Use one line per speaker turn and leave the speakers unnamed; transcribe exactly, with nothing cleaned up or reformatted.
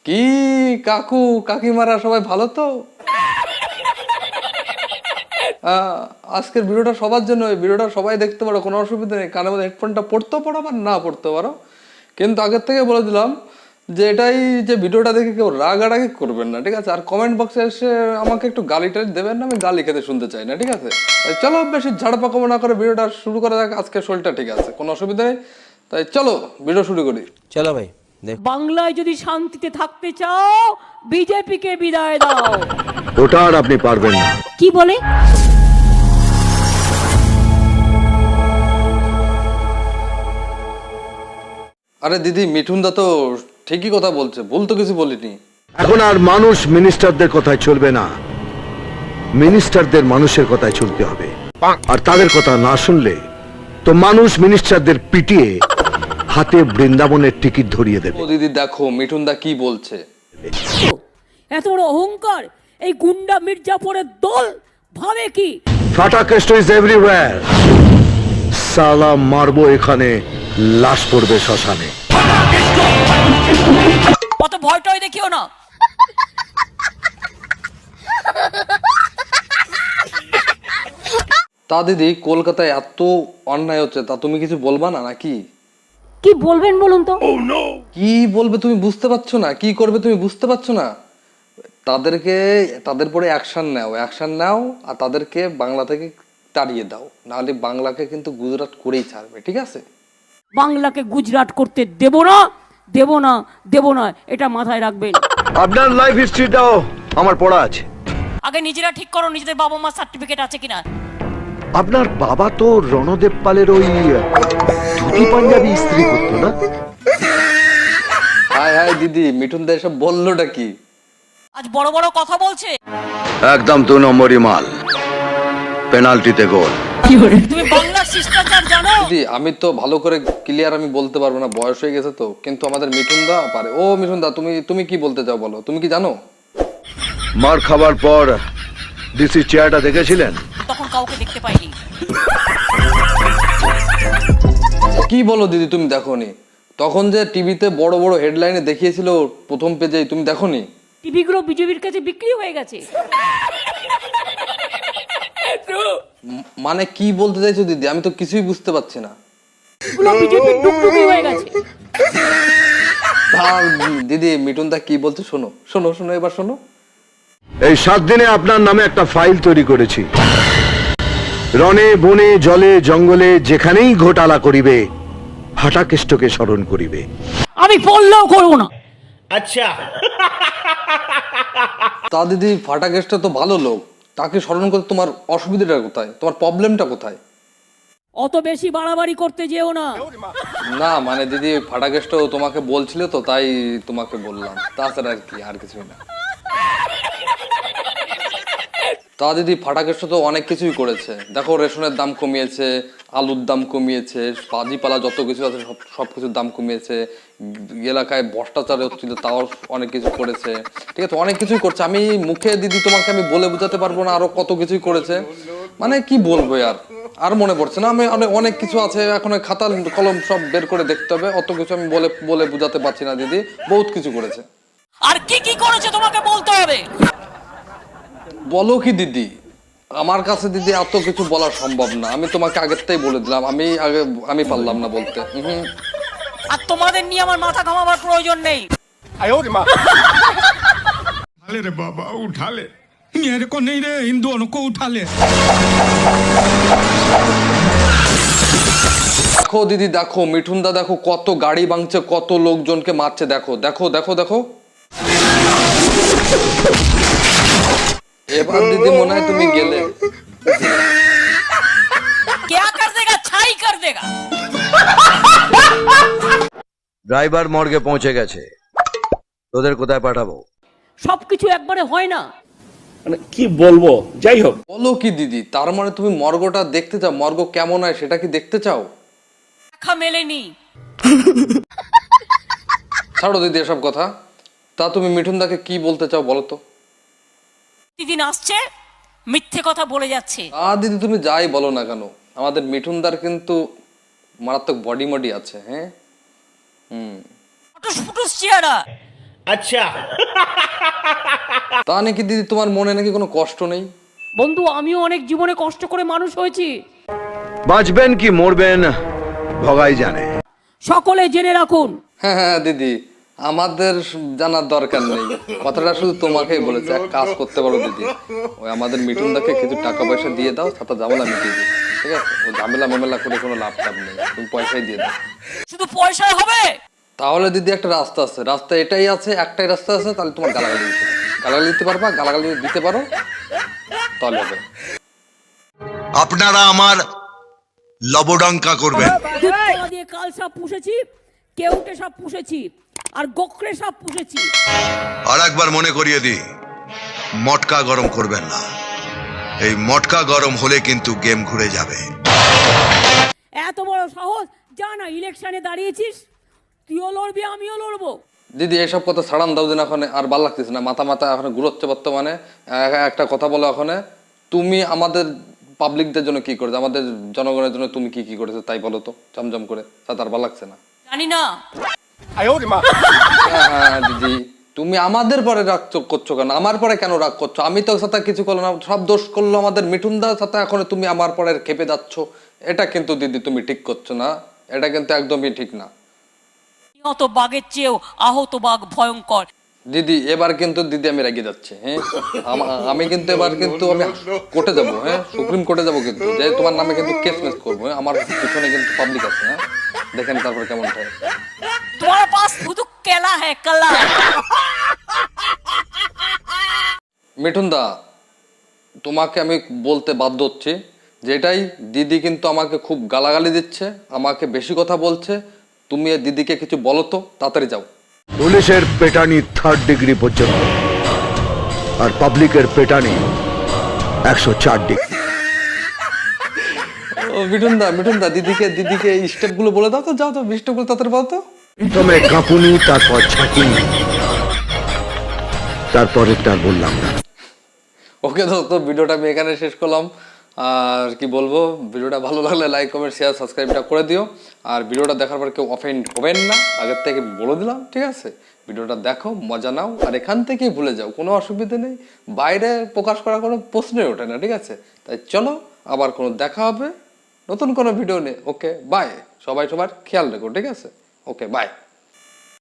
কি কাকু কাকিমারা সবাই ভালো তো? আজকের ভিডিওটা সবার জন্য, এই ভিডিওটা সবাই দেখতে পারো, কোনো অসুবিধা নেই। কানের মধ্যে হেডফোনটা পড়তেও পারো বা না পড়তে পারো, কিন্তু আগের থেকে বলে দিলাম যে এটাই যে ভিডিওটা দেখে কেউ রাগারাগি করবেন না, ঠিক আছে? আর কমেন্ট বক্সে এসে আমাকে একটু গালি টালি দেবেন না, আমি গালি খেতে শুনতে চাই না, ঠিক আছে? তাই চলো বেশি ঝাড়পাকমো না করে ভিডিওটা শুরু করা যাক। আজকে শরীরটা ঠিক আছে, কোনো অসুবিধা নেই, তাই চলো ভিডিও শুরু করি।
চলো ভাই।
বাংলায় যদি শান্তিতে থাকতে চাও বিজেপিকে বিদায় দাও।
ওটা আর আপনি পারবেন না।
কি বলে?
আরে দিদি, মিঠুন দা তো ঠিকই কথা বলছে, ভুল তো কিছু বলিনি।
এখন আর মানুষ মিনিস্টারদের কথায় চলবে না, মিনিস্টারদের মানুষের কথায় চলতে হবে। আর তাদের কথা না শুনলে তো মানুষ মিনিস্টারদের পিটিয়ে হাতে বৃন্দাবনের টিকিট ধরিয়ে দেবে।
ও দিদি দেখো মিঠুন দা কি বলছে।
এত বড় অহংকার এই গুন্ডা মির্জাপুরের দল ভাবে কি?
ফাটা কেষ্ট ইজ এভরিওয়্যার। সালা মারবো এখানে, লাশ পড়বে শ্মশানে।
কত ভয় টয় দেখিও না।
তা দিদি, কলকাতায় এত অন্যায় হচ্ছে, তা তুমি কিছু বলবা না নাকি?
কি বলবেন বলুন তো?
কি বলবে তুমি বুঝতে পারছো না, কি করবে তুমি বুঝতে পারছো না? তাদেরকে, তাদের পরে অ্যাকশন নাও, অ্যাকশন নাও আর তাদেরকে বাংলা থেকে তাড়িয়ে দাও, নাহলে বাংলাকে কিন্তু গুজরাট করেই ছাড়বে, ঠিক আছে?
বাংলাকে গুজরাট করতে দেব না, দেব না, দেব না, এটা মাথায় রাখবেন।
আপনার লাইফ হিস্ট্রিটাও আমার পড়া আছে।
আগে নিজেরা ঠিক করো নিজেদের বাবা মা সার্টিফিকেট আছে কিনা।
আপনার বাবা তো রণদেব পালের ওই ধুতি পাঞ্জাবি স্ত্রী করতো না?
হাই হাই দিদি, মিঠুন দা এসব বললোটা কি?
আজ বড় বড় কথা বলছে।
একদম দু নম্বরই মাল, পেনাল্টিতে গোল।
তুমি বাংলার শিষ্টাচার জানো?
দিদি আমি তো ভালো করে ক্লিয়ার আমি বলতে পারবো না, বয়স হয়ে গেছে তো, কিন্তু আমাদের মিঠুন দা পারে। ও মিঠুন দা, তুমি তুমি কি বলতে চাও বলো, তুমি কি জানো?
মার খাবার পর ডিসি চেয়ারটা দেখেছিলেন?
তখন কাউকে দেখতে পাইনি।
কি বলো দিদি, তুমি দেখোনি? তখন যে টিভিতে বড় বড় হেডলাইনে দেখিয়েছিল প্রথম পেজে, তুমি দেখোনি?
টিভি গুলো বিজেপির কাছে বিক্রি হয়ে গেছে।
ম- মানে কি বলতে চাইছো দিদি, আমি তো কিছুই বুঝতে পারছি না।
গুলো বিজেপির টুকটুকি হয়ে গেছে।
তা দিদি মিঠুন দা কি বলছে শোনো, শোনো শোনো এবার শোনো।
এই সাত দিনে আপনার নামে একটা ফাইল তৈরি করেছি। রণে বনে জলে জঙ্গলে যেখানেই ঘোটালা করিবে, ফাটাকেষ্টকে স্মরণ করিবে।
আমি বললেও করবো না।
তা দিদি, ফাটা গেস্টটা তো ভালো লোক, তাকে স্মরণ করতে তোমার অসুবিধাটা কোথায়, তোমার প্রবলেমটা কোথায়?
অত বেশি বাড়াবাড়ি করতে যেও না।
না মানে দিদি, ফাটা গেস্টও তোমাকে বলছিল তো তাই তোমাকে বললাম, তাছাড়া আর কি, আর কিছুই না। তা দিদি, ফাটা গেস্ট তো অনেক কিছুই করেছে, দেখো রেশনের দাম কমিয়েছে, আলুর দাম কমিয়েছে, পাজিপালা যত কিছু আছে সব সব কিছুর দাম কমিয়েছে, এলাকায় ভ্রষ্টাচার হচ্ছিল তাও অনেক কিছু করেছে, ঠিক আছে? অনেক কিছুই করছে, আমি মুখে দিদি তোমাকে আমি বলে বোঝাতে পারবো না, আরো কত কিছুই করেছে, মানে কি বলবো আর আর মনে পড়ছে না। আমি অনেক অনেক কিছু আছে, এখন ওই খাতা কলম সব বের করে দেখতে হবে, অত কিছু আমি বলে বলে বোঝাতে পারছি না দিদি, বহুত কিছু করেছে।
আর কি কি করেছে তোমাকে বলতে হবে।
বলো কি দিদি, আমার কাছে দিদি এত কিছু বলা সম্ভব না, আমি তোমাকে আগের থেকেই বলে দিলাম, আমি আগে আমি পারলাম না বলতে। হুম,
আর তোমাদের নিয়ে আমার মাথা ঘামাবার প্রয়োজন নেই।
उठा ले रे बाबा, उठा ले। मेरे को नहीं रे, इन दोनों को उठा ले।
দেখো দিদি দেখো, মিঠুন দা দেখো কত গাড়ি ভাঙছে, কত লোকজনকে মারছে, দেখো দেখো দেখো দেখো। এবার দিদি মনে হয় তুমি গেলে।
क्या कर देगा, छाई कर देगा।
ড্রাইভার মর্গে পৌঁছে গেছে, তোদের কোথায় পাঠাবো?
সবকিছু একবারে হয় না।
মানে কি বলবো, যাই হোক।
বলো কি দিদি, তার মানে তুমি মর্গটা দেখতে চাও, মর্গ কেমন হয় সেটা কি দেখতে চাও?
দেখা মেলেনি।
ছাড়ো দিদি এসব কথা। তা তুমি মিঠুন দাকে কি বলতে চাও বলো তো?
দিদিন আসছে মিথ্যে কথা বলে যাচ্ছে।
আ দিদি তুমি যাই বলো না কেন, আমাদের মিঠুনদার কিন্তু মারাত্মক বডি মডি আছে। হ্যাঁ, হুম,
ফুটুস ফুটুস চেহারা।
আচ্ছা
তা নাকি দিদি তোমার মনে নাকি কোনো কষ্ট নেই?
বন্ধু আমিও অনেক জীবনে কষ্ট করে মানুষ হয়েছি,
বাঁচবেন কি মরবেন ভগাই জানে।
সকলে জেনে রাখুন।
হ্যাঁ হ্যাঁ দিদি, আমাদের জানার দরকার নেই, কথাটা শুধু তোমাকেই বলেছে। এক কাজ করতে পারো দিদি, ওই আমাদের মিঠুনদাকে কিছু টাকা পয়সা দিয়ে দাও, সাথে ঝামেলা মিটিয়ে দিই, ঠিক আছে? ও ঝামেলা মামেলা করে কোনো লাভ টাভ নেই, তুমি পয়সাই দিয়ে দাও।
শুধু পয়সায় হবে?
তাহলে দিদি একটা রাস্তা আছে, রাস্তা এটাই আছে, একটাই রাস্তা আছে, তাহলে তোমার গালাগালি দিতে হবে। গালাগালি দিতে পারবা, গালাগালি দিতে পারো, তাহলে হবে।
আপনারা আমার লবডঙ্কা করবেন।
দুধতলা দিয়ে কাল সাপ পুষেছি, কেউটে সাপ পুষেছি, আর গোকরে সাপ পুষেছি।
আর একবার মনে করিয়ে দিই, মটকা গরম করবেন না। এই মটকা গরম হলে কিন্তু গেম ঘুরে যাবে।
এত বড় সাহস, যা না ইলেকশনে দাঁড়িয়েছিস, তুইও লড়বি আমিও লড়বো।
দিদি এসব কথা ছাড়ান দাও দিন, এখন আর ভাল লাগতেছে না, মাথা মাথা এখন ঘুরোচ্ছে বর্তমানে। এ- একটা কথা বলো, এখন তুমি আমাদের পাবলিকদের জন্য কি করেছো, আমাদের জনগণের জন্য তুমি কি কি করেছো তাই বলো তো, জমজম করে, তাতে আর ভালো লাগছে না।
জানি না।
হ্যাঁ হ্যাঁ দিদি, তুমি আমাদের পরে রাগ চোখ করছো কেন? আমার পরে কেন রাগ করছো? আমি তো সাথে কিছু করলো না, সব দোষ করলো আমাদের মিঠুনদার সাথে, এখন তুমি আমার পরে খেপে যাচ্ছ। এটা কিন্তু দিদি তুমি ঠিক করছো না, এটা কিন্তু একদমই ঠিক না।
নিহত বাঘের চেয়েও আহত বাঘ ভয়ঙ্কর।
দিদি এবার কিন্তু দিদি আমি রেগে যাচ্ছি, হ্যাঁ আমা- আমি কিন্তু এবার কিন্তু আমি কোর্টে যাবো, হ্যাঁ সুপ্রিম কোর্টে যাবো কিন্তু, যে তোমার নামে কিন্তু কেস মেস করবো, হ্যাঁ? আমার পিছনে কিন্তু পাবলিক আছে, হ্যাঁ দেখেন তারপর কেমন হয়।
তোমার পাস শুধু কেলা হ্যাঁ কালা।
মিঠুনদা, তোমাকে আমি বলতে বাধ্য হচ্ছি, যেটাই দিদি কিন্তু আমাকে খুব গালাগালি দিচ্ছে, আমাকে বেশি কথা বলছে। তুমি এই দিদিকে কিছু বলো তো, তাড়াতাড়ি যাও।
পুলিশের পেটানি থার্ড ডিগ্রি পর্যন্ত, আর পাবলিকের পেটানি একশো চার ডিগ্রি।
ও মিঠুনদা, মিঠুনদা দিদিকে দিদিকে এই স্টেপগুলো বলে দাও তো, যাও তো স্টেপগুলো তাড়াতাড়ি বলো তো।
প্রথমে কাঁপুনি, তারপর ছাঁকুনি, তারপরে তার বললাম না।
ওকে দোস্ত, ভিডিওটা আমি এখানে শেষ করলাম। আর কি বলবো, ভিডিওটা ভালো লাগলে লাইক কমেন্ট শেয়ার সাবস্ক্রাইবটা করে দিও। আর ভিডিওটা দেখার পর কেউ অফেন্ড হবেন না, আগের থেকে বলে দিলাম, ঠিক আছে? ভিডিওটা দেখো, মজা নাও, আর এখান থেকেই ভুলে যাও, কোনো অসুবিধা নেই। বাইরে প্রকাশ করা কোনো প্রশ্নই ওঠে না, ঠিক আছে? তাই চলো, আবার কোনো দেখা হবে নতুন কোনো ভিডিও নিয়ে। ওকে বাই, সবাই সবার খেয়াল রেখো, ঠিক আছে? Okay by.